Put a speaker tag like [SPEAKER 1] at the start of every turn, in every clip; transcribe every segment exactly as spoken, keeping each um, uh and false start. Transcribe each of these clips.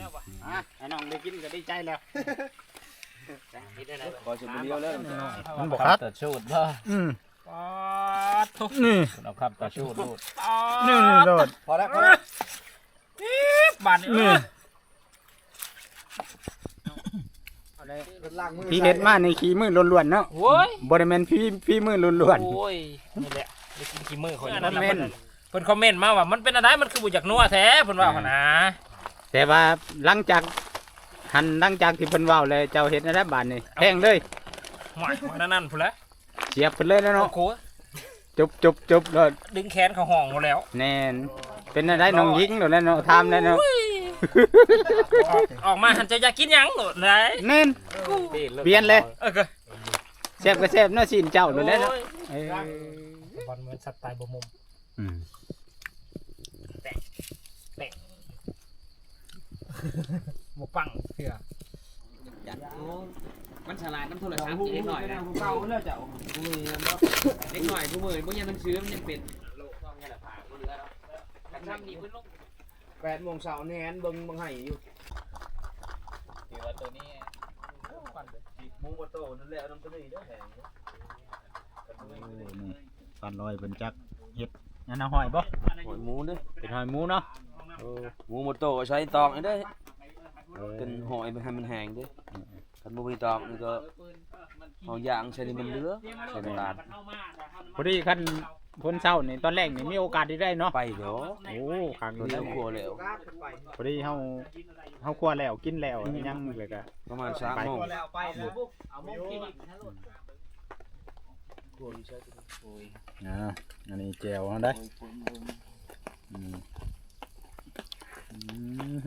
[SPEAKER 1] อ่ะไอ้น้องได้กินก็ดีใจแล้ว
[SPEAKER 2] ขอจุดเดียวเลย
[SPEAKER 1] มันบอกครับ
[SPEAKER 3] ตัดชูดบ่
[SPEAKER 1] อืม
[SPEAKER 3] ปอดทุก
[SPEAKER 1] นี่
[SPEAKER 3] เอาครับตัดชูดลูด
[SPEAKER 1] นี่นี่โดด
[SPEAKER 2] พอแล้วพอแล้ว
[SPEAKER 3] บานนี่
[SPEAKER 1] นี่พี่เด็ดมาในขี้มือล้วนๆเนาะ
[SPEAKER 3] โว้ย
[SPEAKER 1] บริเวณพี่พี่มือล้วน
[SPEAKER 3] โอ้ยนี่แหละได้กินกี่มื้อคนนั้นเพิ่นคอมเมนต์มาว่ามันเป็นอะไรมันคือบ่อยากนัวแท้เพิ่นว่าหั่นนะ
[SPEAKER 1] ๆแต่ว่าหลังจากหันหลังจากที่เพิ่นเว้าเลยเจ้าเฮ็ดอะไรบาดนี่แพงเลย
[SPEAKER 3] หวายมันนั่นพุ่นละ
[SPEAKER 1] เสียบเพิ่นเลยแล้ว
[SPEAKER 3] โอ้
[SPEAKER 1] เนาะ
[SPEAKER 3] โห
[SPEAKER 1] จุบจุบจุบเลย
[SPEAKER 3] ดึงแขนเขาห้องหมดแล้ว
[SPEAKER 1] แน่นเป็นอะไรน้องหญิงโดดแล้วเนาะทำแล้วเนาะ
[SPEAKER 3] ออกออกมาหันจะอยากกินหยังโดดไหน
[SPEAKER 1] แน่นเปลี่ยนเลย
[SPEAKER 3] เออก็
[SPEAKER 1] แซ่บก็แซ่บเนาะสินเจ้าโดดแล้วเนาะเออบ
[SPEAKER 3] อลเหมือนสัตว์ตายบ่มุม
[SPEAKER 1] อืม
[SPEAKER 3] บ่ปังเถื่อ
[SPEAKER 4] มันฉลาดน้ำโทรศัพท์เล็กหน่อยนะ
[SPEAKER 2] เก่าแล้วเจ้า
[SPEAKER 4] เล็กหน่อยกูมือพวกยังมันซื้อมันยังเป็นโลกต้องยังผ่ากูเหลือแล้วทำดีเพิ่นลง
[SPEAKER 2] แปดโมงเช้าแนนเบิ่งบังไห้อยู่
[SPEAKER 3] ถือว่าตัวนี้
[SPEAKER 2] มุงบ่โตนั่นแหละน้ำตัวนี้เด้อแหง
[SPEAKER 1] นี่ฟันลอยเป็นจักเห็ดนั่นนะหอยบ่
[SPEAKER 2] หอยหมูเด้อ
[SPEAKER 1] เป็นหอยหมูเนาะ
[SPEAKER 2] เออหมูบ่โตใช้ตอกนี่เด้อเป็นหอยมันให้มันแห้งเด้อคันบ่มีตอกนี่ก็เอาย่างใส่นี่มันเหลือใส่น้ำตาล
[SPEAKER 1] พอดีคันคนเศร้านี่ตอนแรกนี่มีโอกาสที่ได้เนาะ
[SPEAKER 2] ไปเด้อ
[SPEAKER 1] โอ้คัก
[SPEAKER 2] โด
[SPEAKER 1] โด
[SPEAKER 2] น
[SPEAKER 1] น
[SPEAKER 2] แล้วครัวแล้ว
[SPEAKER 1] พอดีเฮาเฮาครัวแล้วกินแล้วยังเลยก็
[SPEAKER 2] ประมาณสามโมง
[SPEAKER 1] อ่าอันนี้แจวเฮาได้อืมอืม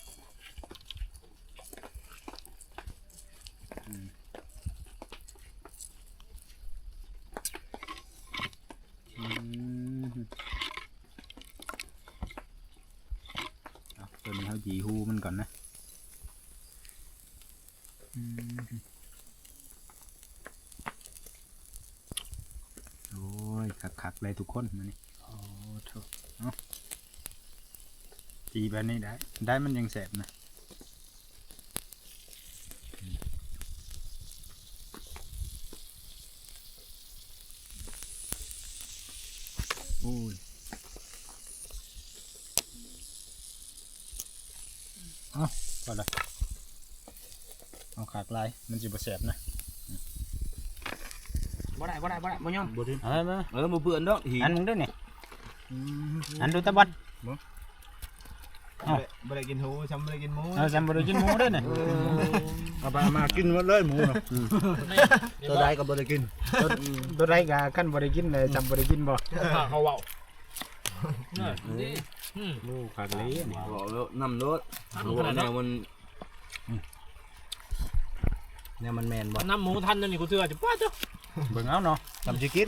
[SPEAKER 1] อืมอืมเอาตัวนี้เฮาจีฮูมันก่อนนะอืมโอ้ยคักๆเลยทุกคนมานี่โอ้โถเนาะจีแบบนี้ได้ได้มันยังแสบนะอืมโอ้ยเอาพอละเอาขากลายมันจะบ่แสบนะ
[SPEAKER 4] บ่ได้บ่ได้บ่ได้บ่ยอม
[SPEAKER 1] บ่ดึงเอามา
[SPEAKER 2] เออบ่เปื้อนดอกหิ
[SPEAKER 1] อันมึงด้วยนี่อันดูตะบัด
[SPEAKER 5] ไม่ได้กินหูฉันไม่ได้กินหมู
[SPEAKER 1] เออจำบ่ได้กินหมูด้วยนี่
[SPEAKER 5] เอาไปมากินหมดเลยหมูน่ะตัวใดก็ไม่ได้กิน
[SPEAKER 1] ตัวตัวไรกะขั้นบ่ได้กินเลยจำบ่ได้กินบ่
[SPEAKER 3] เขาเว้า
[SPEAKER 1] โอ้ขาดเลยนี่
[SPEAKER 2] บอกแล้วนำรถแนวมัน
[SPEAKER 5] เนี่ยมันแมนบ่
[SPEAKER 3] น้ำหมูทันนั่นนี่กูเถื่อจะป้าจ้ะ
[SPEAKER 1] เบิ่งเอาเนาะ
[SPEAKER 5] ทำชิกิน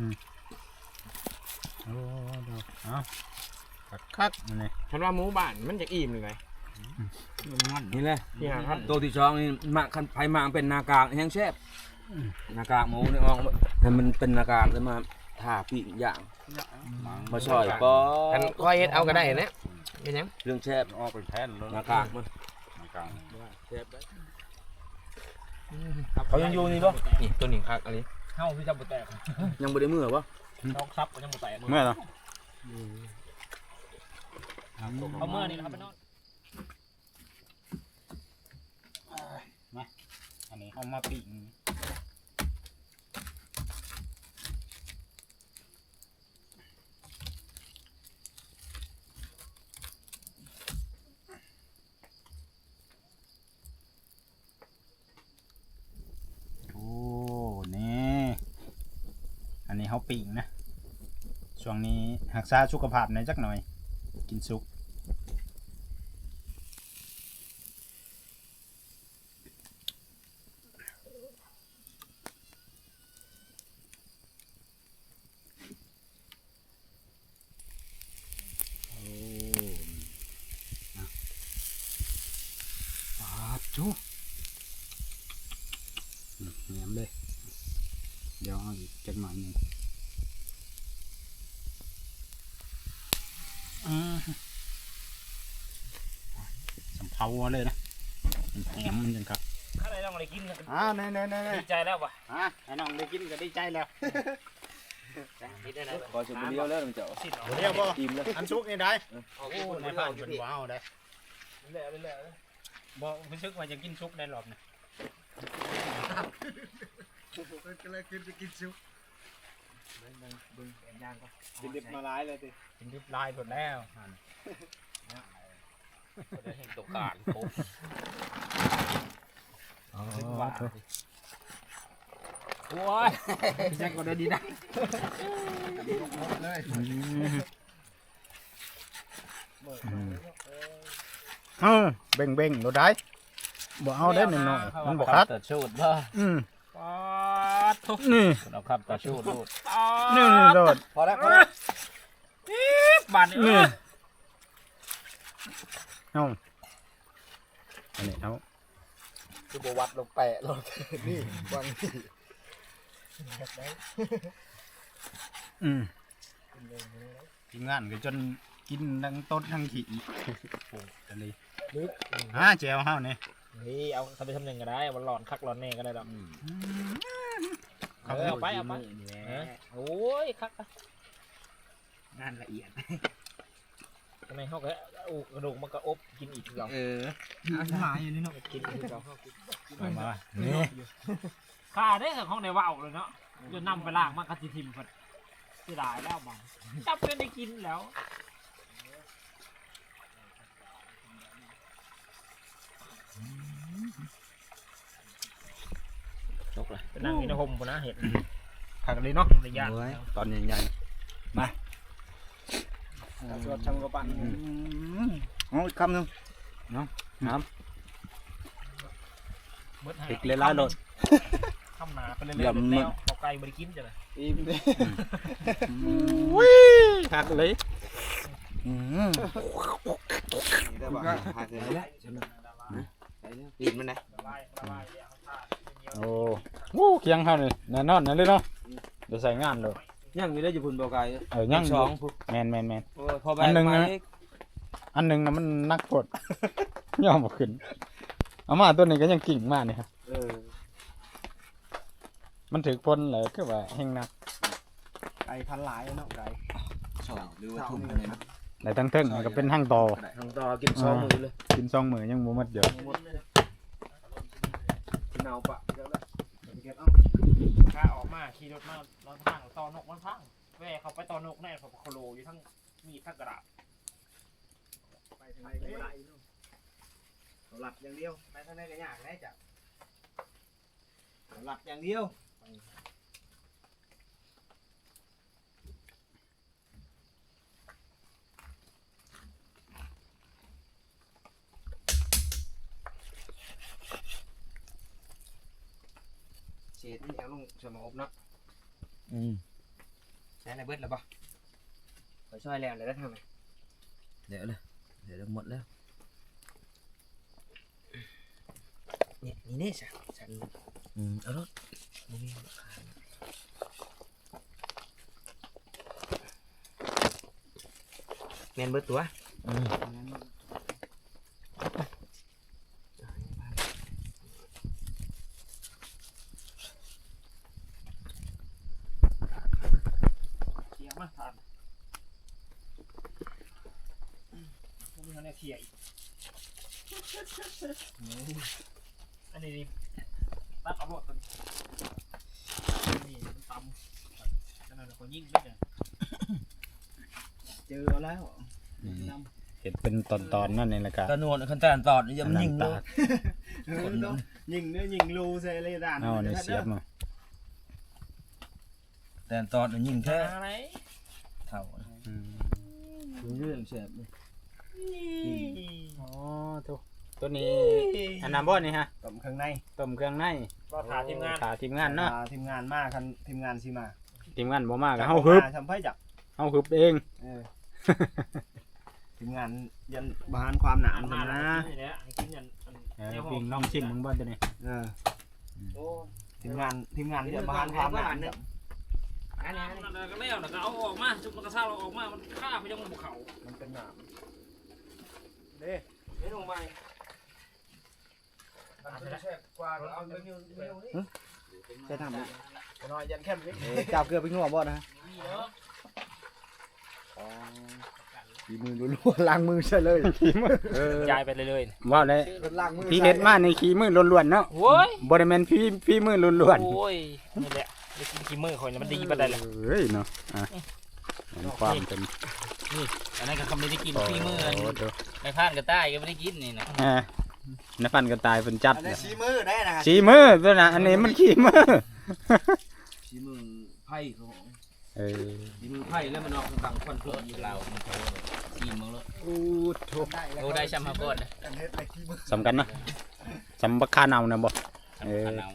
[SPEAKER 1] โอ้ดอกเอาคักๆนั่นนี่
[SPEAKER 4] ฉันว่าหมูบ้านมันจะอิ่มเลยไง
[SPEAKER 2] นี่แหละ
[SPEAKER 4] ที่หาครับ
[SPEAKER 2] ตัวที่สองนี่มาคันไผมาเป็นนากากแห้งแซ่บนากากหมูนี่ออกให้มันเป็นนากากแล้วมาท่าปิ้งย่างมาช่อยปอ
[SPEAKER 4] กันคอยเฮ็ดเอาก็ได้นะเป็นยัง
[SPEAKER 2] เรื่องแซ่บ
[SPEAKER 5] ออกเป็นแผ่นแล้ว
[SPEAKER 2] นากากมัน
[SPEAKER 5] แซ่บ
[SPEAKER 2] เขายังอยู่นี่บ่
[SPEAKER 4] นี่ตัวนี้ครับอันนี้
[SPEAKER 3] เฮาพี่จะบ่แตก
[SPEAKER 2] ยังบ่ได้มือบ่
[SPEAKER 3] นอกซับก็ยังบ่แตก
[SPEAKER 1] เมื่อเนาะ
[SPEAKER 3] เอาเมื่อนี่นะครับไปนอน
[SPEAKER 1] อันนี้เอามาปิ้งโอ้นี่อันนี้เฮาปิ้งนะช่วงนี้รักษาสุขภาพหน่อยจักหน่อยกินสุกจุ๊เหนียมเลยเดี๋ยวเอาอีกจักหน่อยหนึงอืมสำเผาเลยนะแหมมันจังครับ
[SPEAKER 3] ถ้าได้ต้องอะไรกินก็
[SPEAKER 1] อ้าวแน่ๆๆ
[SPEAKER 3] ดีใจแล้วป่ะ
[SPEAKER 1] ๆอ่ะไอ้น้องได้กินก็ดีใจแล้ว
[SPEAKER 2] ขอชมเดียวแล้วมันจะ
[SPEAKER 3] สิ
[SPEAKER 1] เดี๋ยวบ่
[SPEAKER 2] อิ่มแล้ว
[SPEAKER 1] อันซุกนี่ได้
[SPEAKER 4] โอ้
[SPEAKER 1] โอ้ในบ้านเป็นว้าวได้
[SPEAKER 3] เรื่อยๆเรื่อย
[SPEAKER 1] บ่รู้สึกว่าจะกินซุกในรอบนี้
[SPEAKER 5] ก็เลยกินจะกินซุป
[SPEAKER 1] กินดิบมาหลายเลยติกินดิบลายหมดแล้ว
[SPEAKER 3] ๆได้เห็นตกการโค
[SPEAKER 1] อ๋อ
[SPEAKER 3] โอ้ยแจ็คก็ได้ดีนะ
[SPEAKER 1] เอ้าเบ่งเบ่งๆเราได้บ่เอาได้หน่อยๆมันบ่คัด
[SPEAKER 3] ตัดชูดบ่
[SPEAKER 1] อืม
[SPEAKER 3] ปาดทุก
[SPEAKER 1] นี่
[SPEAKER 3] เราครับตัดชูดลูก
[SPEAKER 1] นี่นี่โดด
[SPEAKER 2] พอแล้วพอแล้ว
[SPEAKER 3] บาดนี่
[SPEAKER 1] นี่เอาอันนี้เอา
[SPEAKER 5] คือบวัดลงแปะลงนี่วางนี่
[SPEAKER 1] อืมทีมงานก็จนกินทั้งต้นทั้งขี้โอ้ตะลีลึกอ่าแจวเฮานี่
[SPEAKER 3] นี่เอาทำไปทำหนึ่งก็ได้วันหลอนคักหลอนแน่ก็ได้ดอกเออเอาไปเอาไปเออโอ้ยคักอะ
[SPEAKER 4] งานละเอียด
[SPEAKER 3] ทำไมเขาก็เอากระดูกมันก็อบกินอีกเหรอ
[SPEAKER 4] เออหายอยู่นี่เนาะ
[SPEAKER 3] กินอีกเหรอ
[SPEAKER 1] มามานี่
[SPEAKER 3] ข้าได้กับห้องในว่าวเลยเนาะจนนำไปล่างมากระติทิมเพิ่นเสียดายแล้วบังจับเป็นได้กินแล้วจกเลยไปนั่งอยู่ในห่มปุ่นนะเห็ด
[SPEAKER 1] ผักเลยเนาะ
[SPEAKER 3] ระยะ
[SPEAKER 1] ตอนใหญ่ๆมาสวดช่างกระปั้นเอาอีกคำหนึ่งเนาะน้ำพริกเลยล่าโดด
[SPEAKER 3] ข้ามหนาไปเรื่อยๆแล้วเอาไก่บริกินจ้ะเลย
[SPEAKER 2] อิ่มเลย
[SPEAKER 1] วิผักเลยอืม
[SPEAKER 2] ได้ป่ะหาเสร็จแล้วอิ่มมันนะ
[SPEAKER 1] โอ้โหเคียงเขาเลยแน่นอนนั่นเลยเนาะเดี๋ยวใส่งานเลย
[SPEAKER 2] ยังมีได้อยู่พุ่นบ่ไกล
[SPEAKER 1] เออยัง
[SPEAKER 2] สองพุ่น
[SPEAKER 1] แมนแมนแมน
[SPEAKER 2] โอ้พอไป
[SPEAKER 1] อันหนึ่งนะ
[SPEAKER 2] มาอีก
[SPEAKER 1] อันหนึ่งนะมันนักกด ย่อมบ่ขึ้นเอามาตัวนี้ก็ยังกิ่งมากนี่ครับ
[SPEAKER 2] เออ
[SPEAKER 1] มันถือพ้นเลยก็ว่าแห้งนัก
[SPEAKER 5] ไก่พันหลายเนาะไก่
[SPEAKER 2] สองหรือว่าทุ่มอะไรนะ
[SPEAKER 1] แต่ทั้งเทิงมันก็เป็นห้างต่อ
[SPEAKER 2] ทางต่อกินสองมือเลย
[SPEAKER 1] กินซองมือยังบ่หมดเดี๋ยว
[SPEAKER 2] กินเอาปะเดี๋ยวละ
[SPEAKER 3] ข้าออกมาขี่รถมาลอนทางตอนกมันพังแม่เขาไปตอนกแน่ผมโคโลอยู่ทั้งมีดทั้งกระดาษ
[SPEAKER 5] ไปทางไหนก็ได้หลับอย่างเดียวไปทางไหนก็ยากได้จ้ะหลับอย่างเดียวเศษนี่เอาลงสมอบเนาะ
[SPEAKER 1] อืม
[SPEAKER 4] ใช้ในเบิดแล้วป่ะ
[SPEAKER 5] ไปช่วยแล้วเลยได้ทำไม
[SPEAKER 2] เดี๋ยวเลยเดี๋ยวหมดแล้ว
[SPEAKER 5] เนี่ยนี่เนี่ยฉันฉัน
[SPEAKER 2] อืมเอารถ
[SPEAKER 5] แมนเบิดตัว
[SPEAKER 1] อืม
[SPEAKER 3] เขี่ยมาทานพวกนี้เขาเนี่ยเขี่ยอีกอันนี้ดิตัดเอาหมดตัวนี่มันตำนั่นน่ะคนยิ่งไม่ได้
[SPEAKER 5] เจอแล้ว
[SPEAKER 1] เห็ดเป็นตอนๆนั่นเองละกัน
[SPEAKER 2] ตะนวลขั้นตอนตอดนี่ยังยิงเลย
[SPEAKER 5] ยิงเนื้อยิงรูใส่เลยด่าน
[SPEAKER 1] เอาเนี่ยเสียบมา
[SPEAKER 2] แต่ตอนนี่ยิงแค่
[SPEAKER 3] อะไร
[SPEAKER 2] เท่า
[SPEAKER 1] อืม
[SPEAKER 2] เรื่องเสียบเลย
[SPEAKER 1] อ๋อทุกตัวนี้อันน้ำบ่นี่ฮะ
[SPEAKER 5] ต้มเครื่องใน
[SPEAKER 1] ต้มเครื่องใน
[SPEAKER 3] ก็ถาทีมงาน
[SPEAKER 1] ขาทีมงานเนาะ
[SPEAKER 5] อ่ทีมงานมากคันทีมงานสิมา
[SPEAKER 1] ทีมงานบ่มากเฮาฮึบ
[SPEAKER 5] ทำไพ่จับ
[SPEAKER 1] เฮาฮึบเอง
[SPEAKER 5] เออทีมงานยันบานความหนาม
[SPEAKER 3] มา
[SPEAKER 5] ทำ
[SPEAKER 3] แล้
[SPEAKER 5] นะ
[SPEAKER 3] วนี่แหละให้กินอย่าง
[SPEAKER 1] เออปิงน้องชิมมึงบ่ตัวนี้
[SPEAKER 5] เออ
[SPEAKER 4] โอ้
[SPEAKER 5] ทีมงานทีมงานยันบานความหนามจับ
[SPEAKER 4] อันนี้
[SPEAKER 3] นั่นก็แล้วแล้วก็เอาออกมาจุกมันกระซ่าเราออกมามันฆ่าไปยังภูเขา
[SPEAKER 5] มันเป็นหนาม
[SPEAKER 4] เฮ้ยลงไป
[SPEAKER 2] กว่าเอาไปนิ้วนิ้วนี่
[SPEAKER 5] ใช่ทำเลย
[SPEAKER 2] น้อยยันแค่นี้
[SPEAKER 5] จับเกลือไปงัวบ่นะ
[SPEAKER 4] มีเนาะ
[SPEAKER 5] ฝีมือล้วนๆล้างมือใช่เลย
[SPEAKER 3] ย้ายไปเรื่อย
[SPEAKER 1] ว่าเลย
[SPEAKER 5] ล้างมือ
[SPEAKER 1] ที่เฮ็ดมาในขี้มือล้วนๆเนาะ
[SPEAKER 3] ๆโว้ย
[SPEAKER 1] บ่ได้แม่นพี่พี่มือล้วน
[SPEAKER 3] โอ้ยนี่แหละได้กินขี้มือคนมันดีปานใดล่ะ
[SPEAKER 1] ๆเฮ้ยเนาะอ่ะเห็นความเป็น
[SPEAKER 4] อันนั้นก็เขาไม่ได้กิน
[SPEAKER 1] โอ้
[SPEAKER 4] พี่มือ
[SPEAKER 1] โหดู
[SPEAKER 4] ในพานกระต่ายก็ไม่ได้กินนี่นะ
[SPEAKER 1] อ่าในฟันก็ตายเป็นจัด
[SPEAKER 5] อัน
[SPEAKER 1] เล
[SPEAKER 5] นี้
[SPEAKER 1] ย
[SPEAKER 5] ชี้มือได้นะ
[SPEAKER 1] ขี้มือตัวน่ะอันนี้มันขี้มือ
[SPEAKER 2] ชี้มือไพ่เขา
[SPEAKER 1] เออ
[SPEAKER 2] ชี้มือไพ่แล้วมันออกต่างควัน
[SPEAKER 4] รถอยู่เรามันโตซีมึงรถ
[SPEAKER 5] อู้โถ
[SPEAKER 4] โอ้ได้ช้ำมาก่อนนะ
[SPEAKER 5] อันนี้ไอ้ขี้มือ
[SPEAKER 1] สำคัญเนาะสำบักคาเนานะบ่เออ
[SPEAKER 4] ขนาว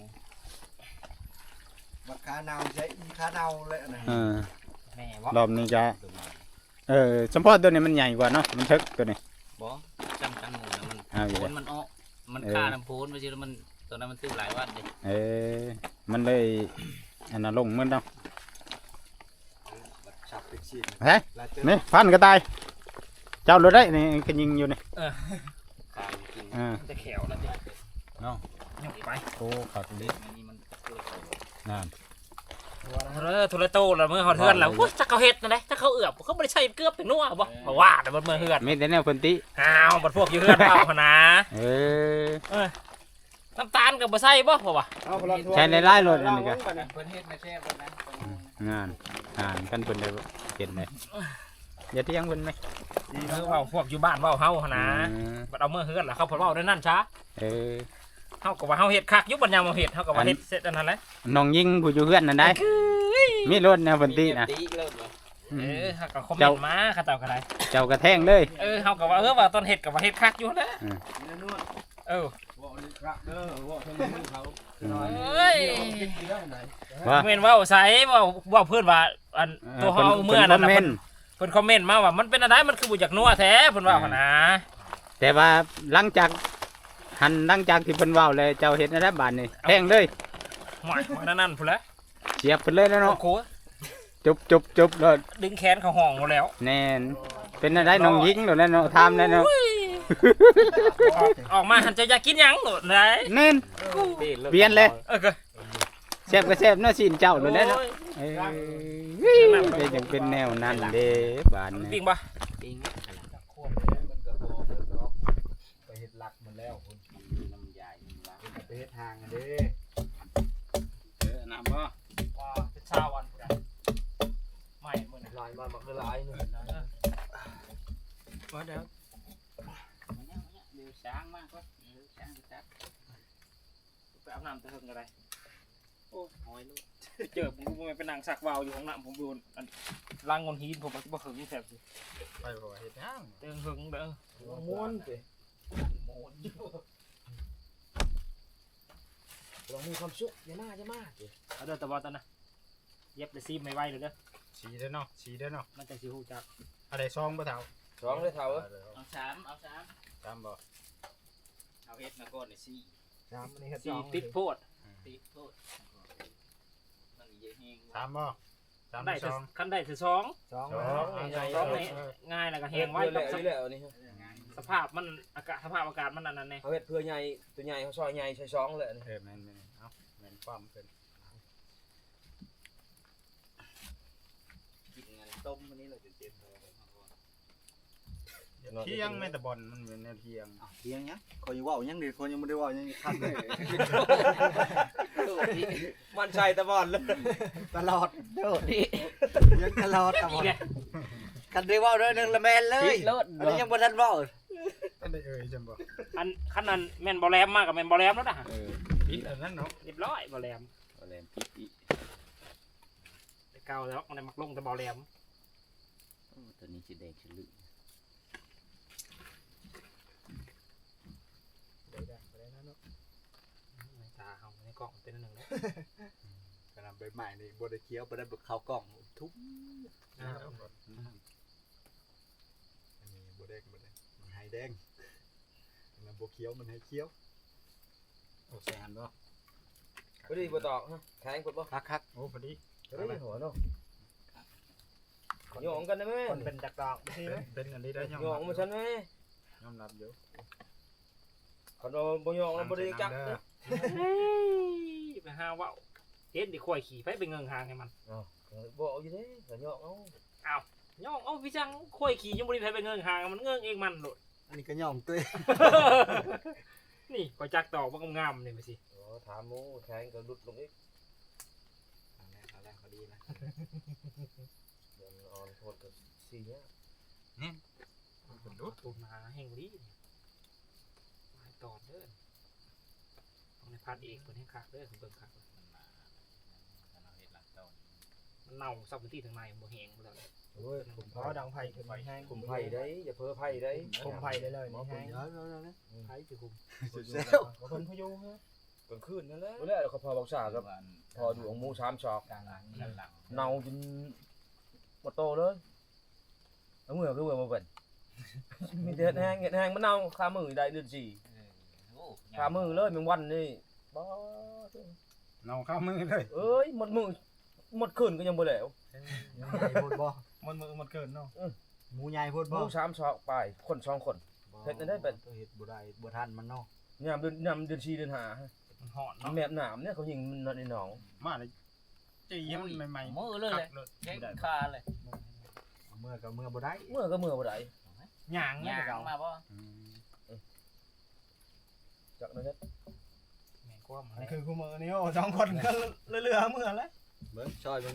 [SPEAKER 5] บักขาเนาใช้อีขาเนาเลยอันไหน
[SPEAKER 1] เออ
[SPEAKER 3] แม่บ่
[SPEAKER 1] รอบนี้จะเออเฉพาะตัวนี้มันใหญ่กว่าเนาะมันทึกตัวนี้
[SPEAKER 4] บ่จำกันหมดนะมัน
[SPEAKER 1] เอาอยู่
[SPEAKER 4] โพ
[SPEAKER 1] เลย
[SPEAKER 4] นมันออกมันฆ่าน้ำโพนไปสิแล้วมันตัวนั้นมันตื้อหลายวันเลย
[SPEAKER 1] เออมันเลยอันนั้นลงมันเนาะ
[SPEAKER 5] ฉับเป็นชิ้น
[SPEAKER 1] เฮ้ย
[SPEAKER 5] แล้วเจอ
[SPEAKER 1] นี่พันก็ตายเจ้ารถได้นี่ก็ยิงอยู่นี่
[SPEAKER 4] ขายกิน
[SPEAKER 1] อ่า
[SPEAKER 3] จะแขวแล้วดิ
[SPEAKER 1] เนาะ
[SPEAKER 3] ยกไป
[SPEAKER 1] โอ้ขาดลิ
[SPEAKER 4] อันนี้มันเกิด
[SPEAKER 1] นั่น
[SPEAKER 3] เออโทรโตแล้วมือเขาเทือนแล้วโอ้ยถ้าเขาเฮ็ดนั่นแหละถ้าเขาเอือบเขาบ่ได้ใช้เกลือเป็นนัวบ่เพราะว่าแต่มันมือเฮือน
[SPEAKER 1] มีแต่แนวเพิ่นติ
[SPEAKER 3] อ้าวบัดพวกอยู่เฮือนเปล่าหั่นนะ
[SPEAKER 1] เออ
[SPEAKER 3] น้ำตาลก็บ่ใส่บ่เพราะว่า
[SPEAKER 5] เอาพลังทัวร์
[SPEAKER 1] ใช้หลายๆรถอันนี้ก็
[SPEAKER 4] เพิ่นเฮ็ดมาแซ่บแล้วนะ
[SPEAKER 1] งานงานกันเพิ่นได้เห็นเลยอย่าเที่ยงเพิ่นไหม
[SPEAKER 3] คือเว้าพวกอยู่บ้านเว้าเฮาหั่นนะ
[SPEAKER 1] อืม
[SPEAKER 3] บัดเอามือเฮือนแล้วเขาเพิ่นเว้าได้นั่นช้า
[SPEAKER 1] เออ
[SPEAKER 3] เฮาก็ว่าเฮาเฮ็ดคักอยู่บัดยามเฮาเฮ็ดเฮาก็ว่าเฮ็ดเสร็จอันนั้นแหละ
[SPEAKER 1] น้องยิงผู้อยู่เฮือนนั่นได้มีรถแนวเพิ่นตินะ
[SPEAKER 4] ตีเริ่มแล้ว
[SPEAKER 1] อื
[SPEAKER 3] เอ
[SPEAKER 1] ม
[SPEAKER 3] อเฮาก็คอมเมนต์มาเขาเจ้าก็ได้
[SPEAKER 1] เจ้ากระแทงเลย
[SPEAKER 3] เออเฮาก็ว่าเออว่าตอนเฮ็ดก็ว่าเฮ็ดคักอยู่นะ
[SPEAKER 2] นี่นวด
[SPEAKER 3] เออ
[SPEAKER 2] ว่ารักเด้อว่าทั้งมือเขา
[SPEAKER 3] เอ้ย
[SPEAKER 1] ว่า
[SPEAKER 3] เมนเว้าใส่เว้าเว้าเพิ่นว่าอันตัวเฮาเมื่อนั้นน่ะ
[SPEAKER 1] เพิ่
[SPEAKER 3] เพิ่
[SPEAKER 1] น
[SPEAKER 3] นเพิ่นคอมเมนต์มาว่ามันเป็นอะไรมันคือบ่อยากนัวแท้เพิ่นว่าหั่นนะ
[SPEAKER 1] แต่ว่าหลังจากหันหลังจากที่เพิ่นเว้าเลยเจ้าเฮ็ดในรัฐบาลนี่แทงเลย
[SPEAKER 3] หวยมันนั่นพุ่นแหละ
[SPEAKER 1] เสียบเพิ่นเลยแล้ว
[SPEAKER 3] โอ้
[SPEAKER 1] เนาะ
[SPEAKER 3] โห
[SPEAKER 1] จุบจุบจุบเลย
[SPEAKER 3] ดึงแขนเขาห้องหมดแล้ว
[SPEAKER 1] แน่นเป็นอะไรน้องยิงโดดแล้วเนาะทำแล้วเนาะ
[SPEAKER 3] ออกออกมาหันจะอยากกินหยังโดดไหน
[SPEAKER 1] แน่นเปลี่ยนเลย
[SPEAKER 3] เออก็
[SPEAKER 1] แซ่บก็แซ่บเนาะสินเจ้าโดดแล้วเนาะ
[SPEAKER 3] โอ้ย
[SPEAKER 1] เอ้ยเป็นจังเป็นแนวนั้นเด้บาน
[SPEAKER 3] จริ
[SPEAKER 1] นี่
[SPEAKER 3] งปะ
[SPEAKER 4] จริง
[SPEAKER 5] ไปเฮ็ดหลักมันแล้วคุณ
[SPEAKER 4] น้ำยาอีกละ
[SPEAKER 5] ไปเฮ็ดทางอันเด้
[SPEAKER 2] เออน้ำบ่
[SPEAKER 3] ว้าเป็นชาววันพุ่นน่ะไม่มื้อน่ะ
[SPEAKER 2] ลายมามันคือลายนี่
[SPEAKER 3] ว่าเดี๋ยว
[SPEAKER 4] มันยังมันยังเดี๋ยวช้างมากกว่าเดี๋ยวช้างจะจับ
[SPEAKER 3] ไปอาบน้ำตะเฮิงอะไร
[SPEAKER 4] โอ้หอยลูก
[SPEAKER 3] เจอผมกูไปนั่งสักวาวอยู่ของน้ำผมดูอันล้างงอนหินผมบ่หึงแซ่บสิ
[SPEAKER 5] ไปบ่เฮ็ดทาง
[SPEAKER 3] เติงหึงเด้อ
[SPEAKER 2] ม้วนสิ
[SPEAKER 3] ลองมีความสุขอย่ามาอย่ามาเอาเด้อตะบอตอนนะเย็บได้ซีไม่ไหวเลยเด้อ
[SPEAKER 1] สีเด้อเนาะสีเด้อเนาะ
[SPEAKER 3] มันจะสิฮู้จัก
[SPEAKER 1] อะไรซองบ่เฒ่า
[SPEAKER 2] สองเลยเท่าเออ
[SPEAKER 4] เอาสามเอาสาม
[SPEAKER 1] ตามบ่
[SPEAKER 4] เอาเฮ็ดมาก่อนเลยสี่
[SPEAKER 5] สามอันนี้เฮ็ดส
[SPEAKER 3] สี
[SPEAKER 5] อง
[SPEAKER 3] ติดโพด
[SPEAKER 4] ตีโทษมันเยอะแห้ง
[SPEAKER 1] ตามบ่ตาม
[SPEAKER 3] ได้
[SPEAKER 1] ซ
[SPEAKER 3] แต่
[SPEAKER 1] อง
[SPEAKER 3] คันได้แต่สอง
[SPEAKER 5] สอง
[SPEAKER 1] สอง
[SPEAKER 3] สองนี่ง่ายแล้วก็แหงไว้
[SPEAKER 2] เพื่อ
[SPEAKER 3] กับ
[SPEAKER 2] แหละนี่แหละนี่
[SPEAKER 3] สภาพมันอากาศสภาพอากาศมันอันนั้นแน่
[SPEAKER 2] เขาเฮ็ดเพื่อใหญ่ตัวใหญ่เขาซอยใหญ่ใช้สองเลยนี่
[SPEAKER 1] เออแม่นๆเอาแม่นความเพิ่น
[SPEAKER 4] กินเงินต้มวันนี้เราจะเจ็บคอ
[SPEAKER 1] เที่ยงแม่แต่บอลมันเป็นแนวเที่ยง
[SPEAKER 5] เที่ยงยังคอยอยู่เว้ายังดิคนยังบ่ได้เว้ายังคันเลย
[SPEAKER 2] มันใจตะบอลเลย
[SPEAKER 5] ตลอดเด้อ
[SPEAKER 4] นี่
[SPEAKER 5] ยังตลอดตลอด
[SPEAKER 3] นี่แหละ
[SPEAKER 5] กันได้เว้าเด้อนึงละแม่นเลย
[SPEAKER 4] เลิศ
[SPEAKER 5] อันนี้ยังบ่ทันเว้า
[SPEAKER 1] อันได้เอ่ยจังบ่
[SPEAKER 3] อันคันนั้นแม่นบอแรมมากกับแม่นบอแรมแล้วนะ
[SPEAKER 1] ผิดอันนั้นเนาะ
[SPEAKER 3] เรียบร้อยบอแรม
[SPEAKER 4] อะไรพี่พี่
[SPEAKER 3] แต่เก่าแล้วมันได้มักลงแต่บอแรม
[SPEAKER 4] ตัวนี้สีแดงฉลุ
[SPEAKER 3] ตาเขาในกล่องเป็นอันหนึ่งแล้ว
[SPEAKER 5] กำลังใบใหม่นี่บ่ได้เคี้ยวบ่ได้เข้ากล่องทุบอันนี้บ่แดงบ่แดงมันให้แดงอันนั้นบ่เคี้ยวมันให้เคี้ยว
[SPEAKER 1] โอ้แซนบ่
[SPEAKER 2] พอดีบ่ตอกฮะแข็งกดบ่
[SPEAKER 1] คักๆโอ้พอดี
[SPEAKER 2] เฮ้ยหัวเนาะหยองกันได้ไหม
[SPEAKER 3] คนเป็นจักรดอก
[SPEAKER 1] เป็นเป็นอันนี้ได้ยอม
[SPEAKER 2] หยองมาฉันไหม
[SPEAKER 1] ยอมรับอยู่
[SPEAKER 2] คันว่าบ่ยองแล้วบ่ได้จักเด้อ
[SPEAKER 3] เฮ้ยไปหาว่าวเฮ็ดดิข่อยขี่ไปเป็นเงิงหางให้มัน
[SPEAKER 2] อ้าวบ่เอาอยู่เด้ก็ยองเอา
[SPEAKER 3] ย่องเอาพี่จังข่อยขี่ยังบ่ได้ไปเป็นเงิงหางมันเงิงเองมันโลด
[SPEAKER 5] อันนี้ก็ย่อมตุ้ย
[SPEAKER 3] นี่ข่อยจักตอกบ่งามๆนี่ไปสิ
[SPEAKER 2] โอ้ถามหมูแข็งก็หลุดลงอีก
[SPEAKER 5] เอาแล้วเขาดีนะ
[SPEAKER 2] เดี๋ยวมันอ่อนโทษก็สิเนี่ย
[SPEAKER 3] มันดูถูกมาแห่งดีมาตอดเด้อต้องในพัดเอกเพิ่นให้คักเด้อเบิ่งคักมันเน่าซับพื้นที่ทางในบ่แห้งบ่แล้ว
[SPEAKER 2] โอ้ยผม
[SPEAKER 5] เพราะ
[SPEAKER 2] ไผ่
[SPEAKER 5] ดังไผ่ขึ้นมาแห้ง
[SPEAKER 2] ผมไผ่ได้อย่าเพ้อไผ่ได้
[SPEAKER 5] คุมไผ่ได้เลยนี่แห้ง
[SPEAKER 3] ไผสิคุม
[SPEAKER 5] สุดเซลคนพยุงฮะ
[SPEAKER 2] กลางคืนนั่นแหละบ่แล้วเขาพอบอกสากับพอดูของหมูสามชอก
[SPEAKER 1] กลางหลังด้านหลัง
[SPEAKER 2] เน่าจนบ่โตเลยเอามือคือมือบ่เป็นมีแต่เฮ็ดแห้งเฮ็ดแห้งมันเน่าคามือได้เดือนสี่คามือเลยแมงวันนี่บ่
[SPEAKER 1] เนาเข้ามือเลย
[SPEAKER 2] เอ้ยหมดมือหมดคืนก็ยังบ่แล้ว
[SPEAKER 5] ใหญ่พูดบ่มันมือมันเกินเนาะหมูใหญ่พูด
[SPEAKER 2] ห
[SPEAKER 5] บ่
[SPEAKER 2] มูสามชอกไปคนสองคน เฮ็ดได้เป็น
[SPEAKER 5] เฮ็ดบ่ได้บ่ทันมันเนาะ
[SPEAKER 2] ยามเดือนยามเดือนสี่เดือนห้า
[SPEAKER 3] มันฮ้อนเนาะ
[SPEAKER 2] แม่น้ำเนี่ยเขายิงมันในหนอง
[SPEAKER 1] มาเลยจีมันใหม่ๆ
[SPEAKER 4] มือเลยเลยแข้งขาเลย
[SPEAKER 5] เมื่อก็เมื่อบ่ได้
[SPEAKER 2] เมื่อก็เมื่อบ่ได้
[SPEAKER 3] หย่าง
[SPEAKER 4] ห
[SPEAKER 3] เนี่ย
[SPEAKER 4] ยาง
[SPEAKER 3] เก่า
[SPEAKER 4] มาบ่
[SPEAKER 1] อืม
[SPEAKER 2] จักนั้นเฮ็ด
[SPEAKER 3] แม่นกว่ามัน
[SPEAKER 5] มันคือคู่มือนี่โอ้สองคนก็เรือๆเมื่อแล้วเบิ่งซอยเบิ่งดู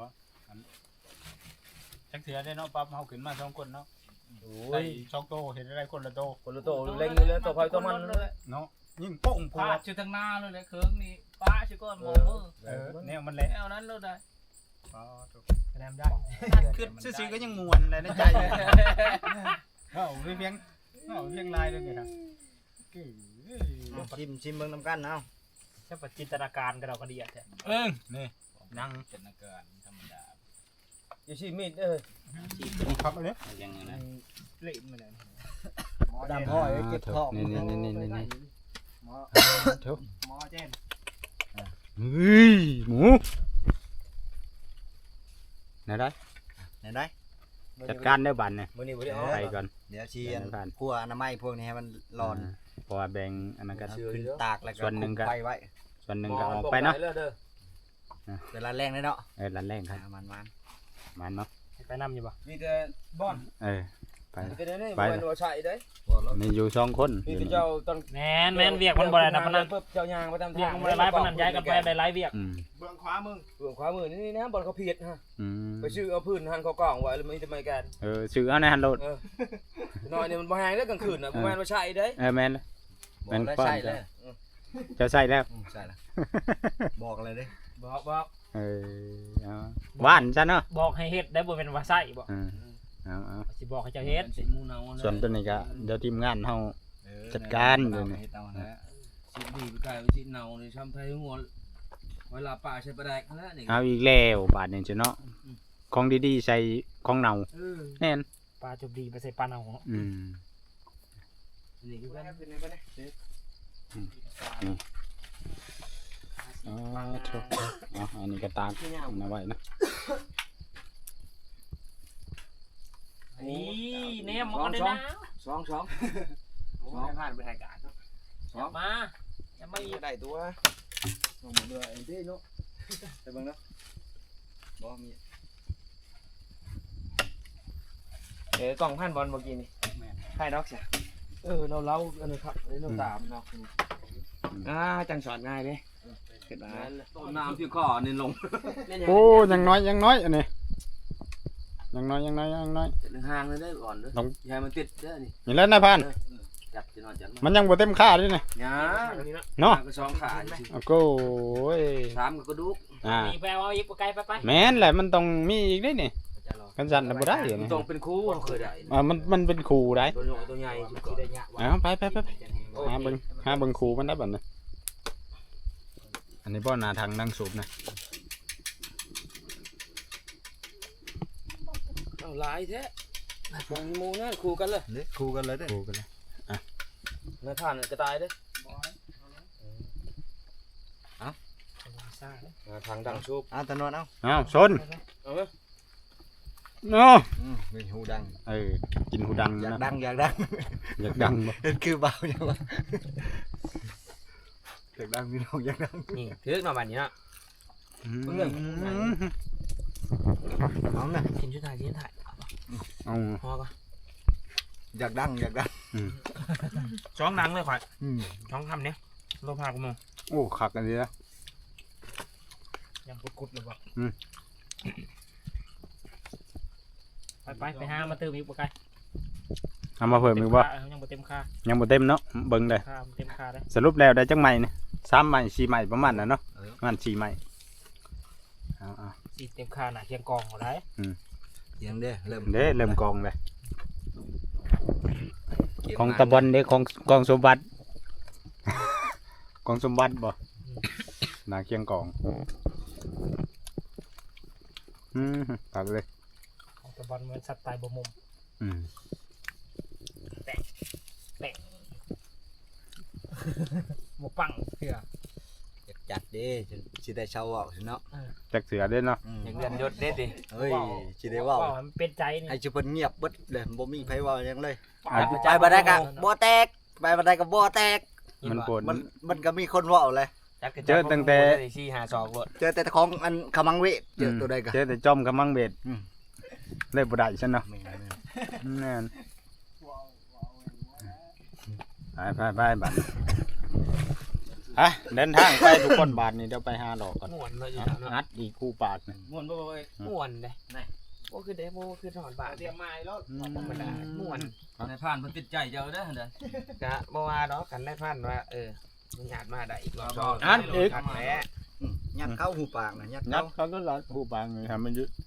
[SPEAKER 1] จักเถื่อได้เนาะปั๊บเฮาขึ้นมาสองคนเนาะ
[SPEAKER 2] โอ้
[SPEAKER 1] ได้
[SPEAKER 2] ย
[SPEAKER 1] สองโตเห็นอะไรคนละโต
[SPEAKER 2] คนละโตเล็งเลยตัวไผตัวมันเลย
[SPEAKER 1] เนาะยิ่งโป่งพอ
[SPEAKER 4] พาดอยู่ทางหน้าเลยเลยเครื่องนี่ป้าชิก้อนมองมือ
[SPEAKER 1] เออแนวมันแหละ
[SPEAKER 4] แนวนั้นเลยได้
[SPEAKER 1] อ๋อถูก
[SPEAKER 3] คะแนนได้
[SPEAKER 1] คือซื่อๆก็ยังมวนเลยในใจเอ้าเพียงเอ้าเพียงลายด้วยนี่ครับคือ
[SPEAKER 5] ชิมชิมเบิ่งนำกันเอา
[SPEAKER 3] จะปจินตนาการกันเราก็ดีอ่ะแท้
[SPEAKER 1] เออนี่นั่งจินตนาการธรรมดา
[SPEAKER 2] อย่าชี้มีดเด้อ
[SPEAKER 1] ครับอันนี้
[SPEAKER 4] ยังไงนะ
[SPEAKER 3] เละมาแล้ว
[SPEAKER 5] ดำพ่อยเก็บท้อง
[SPEAKER 1] นี่นี่นี่นี่นี่
[SPEAKER 5] หมอ
[SPEAKER 1] เถอะ
[SPEAKER 5] หมอเจน
[SPEAKER 1] เฮ้ยหมูไหนได้
[SPEAKER 5] ไหนได้
[SPEAKER 1] จัดการได้บันเนี่ย
[SPEAKER 2] มื้อนี้บ่ได้เอา
[SPEAKER 1] ไปก่อน
[SPEAKER 5] เดี๋ยวชีอันพัวอนามัยพวกนี้ให้มันร้อน
[SPEAKER 1] เพราะว่าแบ่งอันนั้นก็
[SPEAKER 5] ขึ้นตากแล้วก็
[SPEAKER 1] ส่วนหนึ่งก็
[SPEAKER 5] คุมไฟไว้
[SPEAKER 1] ส่วนหนึ่งก็ออกไปเนาะ
[SPEAKER 2] เด้อ
[SPEAKER 5] เวลาแรงได้เนาะ
[SPEAKER 1] เออรันแรงครับ
[SPEAKER 5] มันมัน
[SPEAKER 1] มันเนาะ
[SPEAKER 3] ไปนำอยู่บ่
[SPEAKER 2] มีแต่บ่อน
[SPEAKER 1] เออไป
[SPEAKER 2] มีแต่นี่
[SPEAKER 1] ไป
[SPEAKER 2] บ่แม่นว่าใช่เด้
[SPEAKER 1] นี่อยู่สองคน
[SPEAKER 2] มี
[SPEAKER 1] อยู่
[SPEAKER 2] แต่
[SPEAKER 1] นี่
[SPEAKER 2] เจ้าตอน
[SPEAKER 3] แมนแมนเวียกมันบ่ได้นะพนัน
[SPEAKER 2] เจ้ายางประจำ
[SPEAKER 3] เวีย
[SPEAKER 2] ทาก ง
[SPEAKER 3] มันบ่ได้หลายปานนั้นย้ายกันไปได้หลายเวียก
[SPEAKER 1] อืม
[SPEAKER 5] เบื้องขวามึง
[SPEAKER 2] เบื้องขวามือนี่นะบ่อนเขาเพียดฮะ
[SPEAKER 1] อืม
[SPEAKER 2] ไปซื้อเอาพื้นหันเขากล่องไว้แล้วมีแต่ไม้แกน
[SPEAKER 1] เออซื้อเอาในฮันโหลด
[SPEAKER 2] เออน้อยนี่มันบ่แฮงเด้อกลางคืนน่ะบ่แม่นว่าใช่เด้
[SPEAKER 1] เออแม่นเลย
[SPEAKER 5] บอ
[SPEAKER 1] แม่
[SPEAKER 5] ก
[SPEAKER 1] น
[SPEAKER 5] แล้ว
[SPEAKER 1] ป้อน
[SPEAKER 5] ใช่เลย
[SPEAKER 1] จะใส่แล้ว
[SPEAKER 5] อืมใช่ละบอกเลยเด้
[SPEAKER 2] บอกบอก
[SPEAKER 1] เออเอาว่านซะเนาะ
[SPEAKER 3] บอกให้เฮ็ดได้บ่เป็นว่าใส่บ่
[SPEAKER 1] เออเอาเอา
[SPEAKER 3] สิบอกให้เจ้าเฮ็ด
[SPEAKER 2] สิมูเนา
[SPEAKER 1] ส่วนตัวนี้ก็เดี๋ยวทีมงานเฮา
[SPEAKER 5] เออ
[SPEAKER 1] จัดการเล
[SPEAKER 5] เลย
[SPEAKER 1] นี่
[SPEAKER 5] เอานะ
[SPEAKER 2] สิดีไปไกลสิเนานี่ช้ำไทยหัวเวลาป่าใช้ปลาแดกนั่นแหละนี่
[SPEAKER 1] เอาอีกแล้วบาดนี้จ้ะเนาะของดีๆใส่ของเน่า
[SPEAKER 2] เออ
[SPEAKER 3] Ừ.
[SPEAKER 1] แน่น
[SPEAKER 3] ปลาจุบดีไปใส่ปลาเน่า
[SPEAKER 1] อืม
[SPEAKER 2] นี่คือกันเป็นไปได้
[SPEAKER 1] อ๋อถูกเอาอันนี้ก็ตากเอาไว้นะ
[SPEAKER 3] นี่แนมมันก็ได้นะ
[SPEAKER 2] สองสอง
[SPEAKER 4] สองผ่านไปถ่ายการ
[SPEAKER 3] มาอย่ามาอีก
[SPEAKER 5] ได้ตัวลงมาเรือเอ็นดี้เนาะไปเบิ่งเนาะบ่มี
[SPEAKER 2] เอ๋กล่องพันบอลเมื่อกี้นี่
[SPEAKER 5] ใครดอกเสีย
[SPEAKER 2] เออเราเล่าอันนี้ครับอันนี้เราตามเนาะ
[SPEAKER 5] อ่าจังสอนง่ายเด้เกิดมา
[SPEAKER 2] ต้นน้ำที่ข้อนี่ลง
[SPEAKER 1] โอ้ยังน้อยยังน้อยอันนี้ยังน้อยยังน้อยยังน้อย
[SPEAKER 2] จะห่างเลยได้ก่อนเด้ออย่ามันติดเด้อนี่
[SPEAKER 1] นี่แล้วนายพัน
[SPEAKER 2] จับจะนอนจับ
[SPEAKER 1] มันยังบ่เต็มค่าด้วยนะ
[SPEAKER 2] ย่า
[SPEAKER 1] เนาะ
[SPEAKER 2] ก็สองขา
[SPEAKER 1] โอ้โก้ย
[SPEAKER 2] สามก็กระดูก
[SPEAKER 1] อ่า
[SPEAKER 3] นี่ไปเอาอีกไกลไปไป
[SPEAKER 1] แม่นแหละมันต้องมีอีกด้วยนี่กันสั่นน่ะบ่ได้นี่
[SPEAKER 2] ต้องเป็นคู่เคยได้
[SPEAKER 1] อ่ามันมันเป็นครูได้
[SPEAKER 2] ตัวใหญ่ตัวใหญ่ก่อน
[SPEAKER 1] เอาไปไปไปไปหาเบิ่งหาเบิ่งครูมันได้บัดนี้อันนี้บ่หน้าทางนั่งสูบนะ
[SPEAKER 2] เอาหลายแท้วงมูนั่นคู่กันเลย
[SPEAKER 5] เด้คู่กันเลยเด้
[SPEAKER 1] ครูกันเลย
[SPEAKER 2] นายท่านจะตายเด้
[SPEAKER 3] ซ่า
[SPEAKER 2] ทางดังชุบ
[SPEAKER 5] เอาตะนวดเอา
[SPEAKER 1] อ้าวชน
[SPEAKER 2] เอาไหม
[SPEAKER 1] เนาะ
[SPEAKER 5] อืมมีหูดัง
[SPEAKER 1] เออกินหูดัง
[SPEAKER 5] อยาก
[SPEAKER 1] นะ
[SPEAKER 5] ดังอยากดัง
[SPEAKER 1] อยากดังบ่
[SPEAKER 5] เห็นคือเบาอย่างวะอยากดังพี่น้องอยากดัง
[SPEAKER 4] นี่ถือหน่อบัดนี้เนาะ
[SPEAKER 1] อืม
[SPEAKER 5] เอาน่ะ
[SPEAKER 4] กินชุดไทยกินไทย
[SPEAKER 1] เอา
[SPEAKER 4] พอก่อน
[SPEAKER 5] อยากดังอยากดัง
[SPEAKER 3] ช้องหนังเลยข่อย
[SPEAKER 5] อืม
[SPEAKER 3] ช้องทำเนี้ยโลภากูมึง
[SPEAKER 1] โอ้คักอันนี้นะ
[SPEAKER 3] ยังกุดๆเลยบ่
[SPEAKER 1] อืม
[SPEAKER 3] ไปไปไปหามาเติมอีกบ่ไกล
[SPEAKER 1] เอามาเพิ่มอีกบ่
[SPEAKER 3] ยังบ่เต็มค่า
[SPEAKER 1] ยังบ่เต็มเนาะเบิ่งได้
[SPEAKER 3] ค่าเต็มค่าได้
[SPEAKER 1] สรุปแล้วได้จังใหม่นี่สามใหม่สี่ใหม่ประมาณนั้นเนาะประมาณสี่ใหม่เอาเอา
[SPEAKER 3] สิเต็มค่าน่ะเคียงกองเอาได้
[SPEAKER 5] เสียงเด้เริ่ม
[SPEAKER 1] เด้เริ่มกองเลยของตะบอนเด้ของกองสมบัติ กองสมบัติบ่หนาเคียงกองอืมตัดเลย
[SPEAKER 3] ของตะบอนเหมือนสัตว์ตายบ่มุม
[SPEAKER 1] อืม
[SPEAKER 3] บ่ปังเถื่อ
[SPEAKER 5] อยากจัดเด้สิได้เช่าเว้าสิเนาะ
[SPEAKER 1] จักเสือเด้เนาะ
[SPEAKER 5] อืม
[SPEAKER 4] อย่างเดือนยศเด็ดดิ
[SPEAKER 5] เฮ้ยสิได้เว้า
[SPEAKER 3] ว่ามันเป็นใจนี่
[SPEAKER 5] ให้สิเพิ่นเงียบเบิดเลยบ่มีไผเว้าหยังเลย
[SPEAKER 1] อ่ะ
[SPEAKER 5] ไปบ่ได้ก็บ่แตกไปบ่ได้ก็บ่แตก
[SPEAKER 1] มันปวด
[SPEAKER 5] มันมันก็มีคนเว้าเลย
[SPEAKER 1] เจอตั้งแต่
[SPEAKER 4] สี่หาสองรถ
[SPEAKER 5] เจอแต่ของอันขมังเวทเจอตัวใดก็
[SPEAKER 1] เจอแต่จอมกับมังเบ็ด
[SPEAKER 5] อืม
[SPEAKER 1] เลยบ่ได้ซั่นเนาะ
[SPEAKER 5] แม่น
[SPEAKER 1] แน่นไปไปไปบัดฮะเดินทางไปทุกคนบาทนี่เดี๋ยวไปหาดอกก่อน
[SPEAKER 4] ม่วนเลยอยู่
[SPEAKER 1] เอา
[SPEAKER 4] เนาะ
[SPEAKER 1] งัดอีกคู่ปากนี่
[SPEAKER 2] ม่วนบ่เว้ย
[SPEAKER 4] ม่วนเลยบ่คือเด้บ่คือถอนบาท
[SPEAKER 2] เตรียมไม้แล้ว
[SPEAKER 4] ธรรมดาม่วน
[SPEAKER 2] นายผ่านเพิ่นติดใจเจ้าเด้อเด้อก
[SPEAKER 4] ะบ่ว่าดอกกันได้พันว่าเออมันญาติมาได้อีกรอบสอง
[SPEAKER 1] อันอีก
[SPEAKER 4] กันแหละ
[SPEAKER 5] อืมยัดเข้าหูปากนะยัด
[SPEAKER 1] งั
[SPEAKER 5] เข้า
[SPEAKER 1] ดเขาก็รัดคู่ปากนี่ทำมันยึด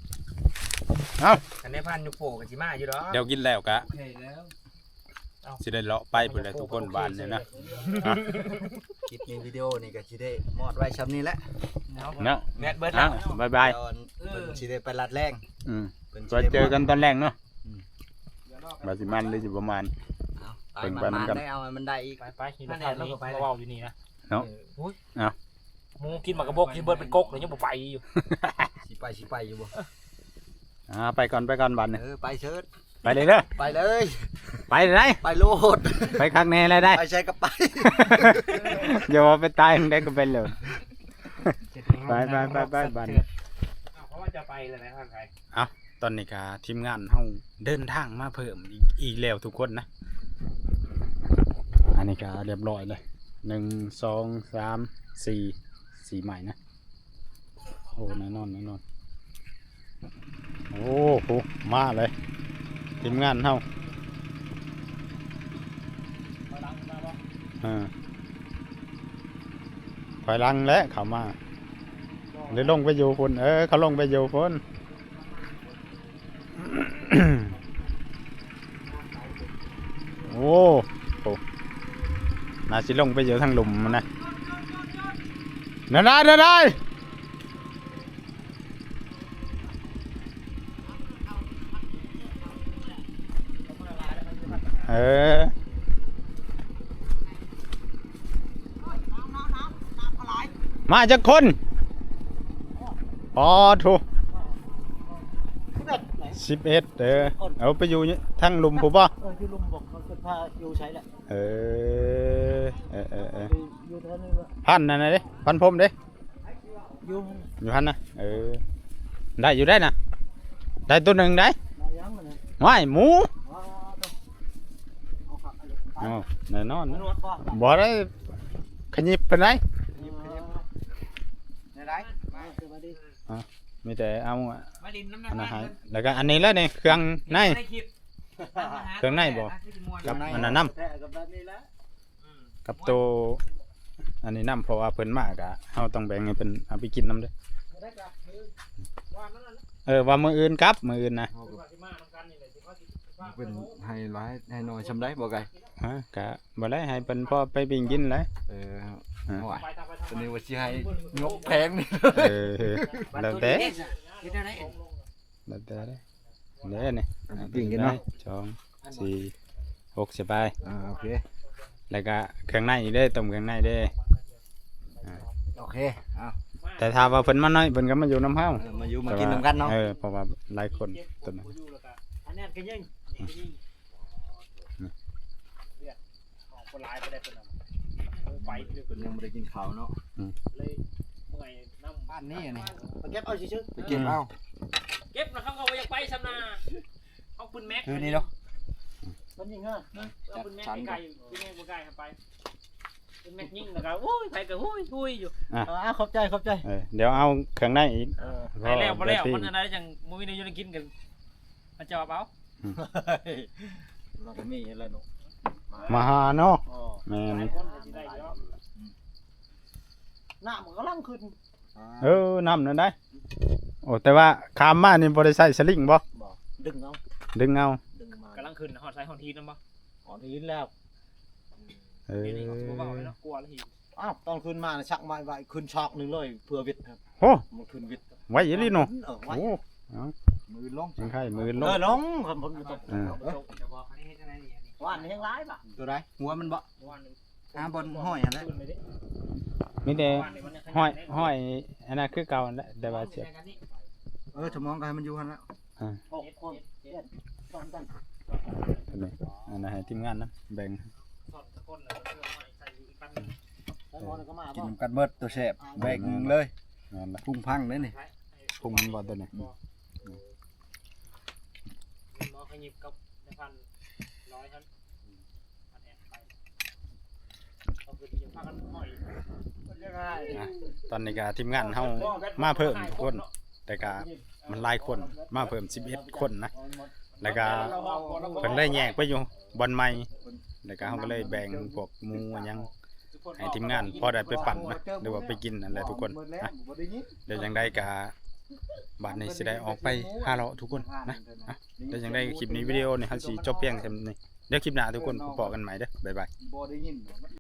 [SPEAKER 4] กันได้พันยุคโผก็สิมาอยู่ดอก
[SPEAKER 1] เดี๋ยวกินแล้วกะ
[SPEAKER 2] โอเคแล้ว
[SPEAKER 1] สิได้เลาะไปพุ่นแหละทุกคนบานเนี่ยนะ
[SPEAKER 5] คลิปนี้วิดีโอนี่ก็สิได้มอดไว้ซ้ำนี้แหละ
[SPEAKER 1] เนาะ
[SPEAKER 4] แมทเบิด
[SPEAKER 1] อ่ะ
[SPEAKER 4] แล้ว
[SPEAKER 1] บายบาย
[SPEAKER 5] ตอนเพิ่นสิได้ไปลัดแรง
[SPEAKER 1] อืม
[SPEAKER 5] เพิ่นสิ
[SPEAKER 1] ก็
[SPEAKER 5] ได้
[SPEAKER 1] เจอกันตอนแรกเนาะ
[SPEAKER 2] เดี๋ยวนอก
[SPEAKER 1] บาสิมันหรือสิประมาณ
[SPEAKER 5] เอา
[SPEAKER 1] เพิ่น
[SPEAKER 5] ไป
[SPEAKER 1] ไป
[SPEAKER 5] มัน
[SPEAKER 1] นำกัน
[SPEAKER 5] ได้เอาให้มันได้อีก
[SPEAKER 3] ไปไปหินทางนี้เราเว้าอยู่นี่นะ
[SPEAKER 1] เนาะ
[SPEAKER 3] อุ้ย
[SPEAKER 1] เอา
[SPEAKER 3] หมูกินหมากกระบกกินเบิดเป็นกกเลยยังบ่ไปอยู่
[SPEAKER 5] สิไปสิไปอยู่บ่
[SPEAKER 1] อ่าไปก่อนไปก่อนบันเนี่ย
[SPEAKER 5] เออไปเชิด
[SPEAKER 1] ไปเลยเด้อ
[SPEAKER 5] ไปเลย
[SPEAKER 1] ไปไหน
[SPEAKER 5] ไปโลด
[SPEAKER 1] ไปข้างในเลยได้
[SPEAKER 5] ไปใช้ก็ไป
[SPEAKER 1] อย่าว่าไปตายได้ก็เป็นเลย ไปไปไปไปบัน
[SPEAKER 3] อ้าวเพราะว่าจะไปเลยนะท่านใคร
[SPEAKER 1] ตอนนี้ก็ทีมงานเฮาเดินทางมาเพิ่มอีกอีกแล้วทุกคนนะอันนี้ก็เรียบร้อยเลยหนึ่งสองสามสี่สี่ใหม่นะโอ้แน่นอนแน่นอนโอ้โหมาเลยทีมงานเฮาอ่าถอยหลังแล้วเขามาเลยลงไปอยู่คนเออเขาลงไปอยู่คน โอ้โหน่าสิลงไปอยู่ทางหลุมมันนะเดินได้เดินได้เออมาจากคนอ๋อถูกสิบเอ็ดเออเอาไปอยู่ทางหลุมผมป่ะ
[SPEAKER 2] เออที่ลุงบอกเขาเกิดพาอยู่ใช้แหละ
[SPEAKER 1] เออเออเออเออ
[SPEAKER 2] อยู่เท่านี้ว่า
[SPEAKER 1] พันนั่นนะเด้พันพรมเด้
[SPEAKER 2] อยู่
[SPEAKER 1] อยู่พันนะเออได้อยู่ได้นะได้ตัวหนึ่งได้
[SPEAKER 2] มายังมันนะ
[SPEAKER 1] ไม่หมู
[SPEAKER 2] ว้าวเอาขับอะไร
[SPEAKER 1] อ๋อแน่นอน
[SPEAKER 2] น
[SPEAKER 1] นะ
[SPEAKER 2] วดก่อน
[SPEAKER 1] บ่ได้ขยิบเป็นไร
[SPEAKER 2] ยิบขยิบในไรมาเกิดมาดิ
[SPEAKER 1] มีแต่เอา
[SPEAKER 4] มาดินน้ำหนั
[SPEAKER 1] อั
[SPEAKER 4] ก
[SPEAKER 1] นนั้น
[SPEAKER 4] มาก
[SPEAKER 1] ให้
[SPEAKER 4] เลย
[SPEAKER 1] แล้วก็อันนี้แล้วนี่เครื่องใน
[SPEAKER 4] ได้คลิป
[SPEAKER 1] เครื่องในบ่ กับอันนั้นน้
[SPEAKER 2] แต่กับแบบนี้แล้ว
[SPEAKER 1] ำกับตัวอันนี้น้ำเพราะว่าเพิ่นมากอะเฮาต้องแบ่งให้เพิ่นเอาไปกินน้ำเด้อ
[SPEAKER 2] ได้กลับคือว่านั่นน่ะ
[SPEAKER 1] เออว่ามื้ออื่นครับมื้ออื่นนะ
[SPEAKER 3] ว่าสิมาทำกันนี่แหละสิเขาสิว่า
[SPEAKER 5] เป็นให้ร้ายให้น้อยชำได้บ่ไก
[SPEAKER 1] ฮะก็บ่ได้ให้เพิ่นพอไปบิ่งกินเลย
[SPEAKER 5] เออ
[SPEAKER 1] อ่า
[SPEAKER 5] โอ้ย
[SPEAKER 3] ไปทำไป
[SPEAKER 5] ตอน
[SPEAKER 3] ทำ
[SPEAKER 5] นี้ว่าสิให้งบแพงนี่
[SPEAKER 1] เออแล้วแต่
[SPEAKER 4] คิดได้ไหม
[SPEAKER 1] แล้วแต่เด้อเด้อนี่
[SPEAKER 5] ปิ่งกันเนาะ
[SPEAKER 1] สองสี่หกสิบไป
[SPEAKER 5] อ่าโอเค
[SPEAKER 1] แล้วก็เครื่องในอีกเด้อต้มเครื่องในเด้อ
[SPEAKER 5] โอเคเอา
[SPEAKER 3] มา
[SPEAKER 1] แต่ถ้าว่าเพิ่นมาน้อยเพิ่นก็มาอยู่น้ำเฮา
[SPEAKER 5] เออมาอยู่มากินนำกันเนาะ
[SPEAKER 1] เออเพราะว่าหลายคนตัวนั้น
[SPEAKER 3] อันนี้ก็ยิงยิงเลือดออกคนร้ายไปได้ตัวนั้นไปเรื่อย
[SPEAKER 5] เพิ่นยังบ่ได้กินข้าวเนาะ
[SPEAKER 3] เลยเมื่อยน้ำ
[SPEAKER 5] บ้านนี้นี่
[SPEAKER 3] ไปเก็บเอาชื่อ
[SPEAKER 5] ไปเก็บเอา
[SPEAKER 4] เก็บแล้วเขาก็ยังไปซำนาเอาปืนแม็ก
[SPEAKER 5] คือนี่เนาะ
[SPEAKER 3] มันยิงฮะ
[SPEAKER 4] เอาปืนแม็กไกลๆปืนแม็กบ่ไกลครับไปปืนแม็กยิงแล้วก็โอ้ยไปก็โอ้ยโอ้ยอยู่
[SPEAKER 3] อ่าขอบใจขอบใจ
[SPEAKER 1] เออเดี๋ยวเอาเครื่องในอีก
[SPEAKER 4] ไปแล้วบ่แล้วมันอะไรจังบ่มีได้อยู่ได้กินกันมันจะเอา
[SPEAKER 5] เราก็มีอะไรเนาะ
[SPEAKER 1] มาหาเนาะ
[SPEAKER 3] อ๋อ
[SPEAKER 1] แม่น
[SPEAKER 3] หน้ามันก็ลังขึ้น
[SPEAKER 1] เออน้ำนั่นได้โอ้แต่ว่าขามมานี่บ่ได้ใส่สลิงบ่
[SPEAKER 3] ดึงเอา
[SPEAKER 1] ดึงเอา
[SPEAKER 3] ดึงมาก
[SPEAKER 4] ำลังขึ้นฮอดไซฮอดทีนำบ่
[SPEAKER 3] อ๋อทีนี้แล้ว
[SPEAKER 1] เออ
[SPEAKER 4] เดี๋ยวนี้บ่เว้าเลยเนาะกลัวแล้วที
[SPEAKER 3] อ้าวตอนขึ้นมาชักไม้ไว้ขึ้นช็อกหนึ่งเลยเพื่อวิทย์ครับ
[SPEAKER 1] โอ้
[SPEAKER 3] มันขึ้นวิทย์
[SPEAKER 1] ไว้อีหลีเนาะ
[SPEAKER 3] เออไว้
[SPEAKER 1] โอ้เอา
[SPEAKER 5] มือลง
[SPEAKER 1] ยังไข่มือล
[SPEAKER 3] เอง อลงครับผมอยู่ตรง
[SPEAKER 1] เออ
[SPEAKER 4] จะบอกให้เฮ็ดจังได๋นี่
[SPEAKER 3] ว่านนี่ยังร้ายป่ะ
[SPEAKER 5] ตัวใดหัวมันบ่
[SPEAKER 4] วัน
[SPEAKER 5] หาบนห้อยอันนั้น
[SPEAKER 4] ขึ้นไปดิ
[SPEAKER 1] มีแต่
[SPEAKER 4] วันนี้มันยัง
[SPEAKER 1] ห้อยห้อยอันนั้นคือเก่านั่นแหละแต่ว่าเสียบ
[SPEAKER 5] เออสมองก็ให้มันอยู่หั่นแล้ว
[SPEAKER 3] หกคนเจ็ดสองกัน
[SPEAKER 1] อันนี้อันนั้นให้ทีมงานนะแบ่ง
[SPEAKER 4] สอนตะคนเลยเพื่อมาใส่อีกปันนึง
[SPEAKER 3] แล้วนอนก็มา
[SPEAKER 5] กิน
[SPEAKER 3] บ่
[SPEAKER 5] นำกันเบิดตัวแซ่บแบกเลย
[SPEAKER 1] นั่นแหละ
[SPEAKER 5] พุ่งพังเลยนี่
[SPEAKER 1] พุงมันบ่ตัวนี้
[SPEAKER 4] หมอขยิบกับในพันร้อยท่านพันแอนไปเอาคือที่ยังพากันห้อย
[SPEAKER 1] อ่ะตอนนี้ก็ทีมงานเฮามาเพิ่มทุกคน แต่ก็มันหลายคนมาเพิ่มสิบเอ็ดคนนะแล้วก็เพิ่นเลยแยกไปอยู่บอนใหม่แล้วก็เฮาก็เลยแบ่งพวกหมูหยังให้ทีมงานพอได้ไปปั่นนะหรือว่าไปกินนั่นแหละทุกคนนะเดี๋ยวจังไดก็บัดนี้สิได้ออกไปหาเลาะทุกคนนะอ่ะเดี๋ยวจังไดคลิปนี้วิดีโอนี่เฮาสิจบเพียงเท่านี้เดี๋ยวคลิปหน้าทุกคนพบกันใหม่เด้อบ๊ายบาย
[SPEAKER 5] บ่ได้ยิน